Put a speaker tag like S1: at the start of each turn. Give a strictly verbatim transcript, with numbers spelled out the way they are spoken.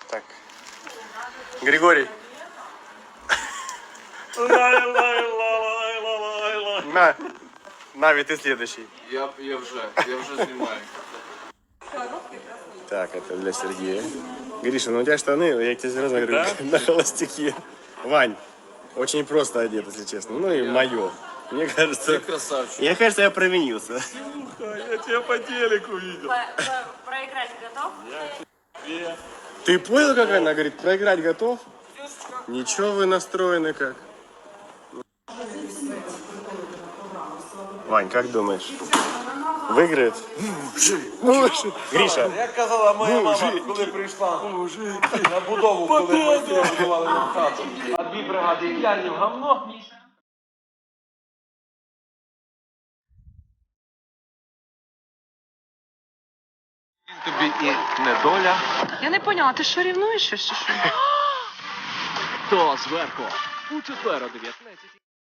S1: Так. Григорий. На. Нави, ты следующий.
S2: Я, я вже, я вже знімаю.
S1: Так, это для Сергея. Гриша, ну у тебя штаны, я тебе сразу говорю, да? На холостяке. Вань, очень просто одет, если честно. Ну и я... мое. Мне кажется...
S2: Ты красавчик.
S1: Мне кажется, я провинился.
S2: Слушай, я тебя по телеку видел.
S3: По, по, проиграть готов?
S2: Я...
S1: Ты понял, как она говорит, проиграть готов? Ничего вы настроены как. Вань, как думаешь? Выиграет? Мужик. Гриша.
S2: Як казала моя мама, коли прийшла на будову, коли ми будували нам хату. А дві бригади п'яні в гамно. Тобі і недоля.
S3: Я не поняла, ти що рівнуєш чи що?
S4: Хто зверху? У четвер о дев'ятнадцятій.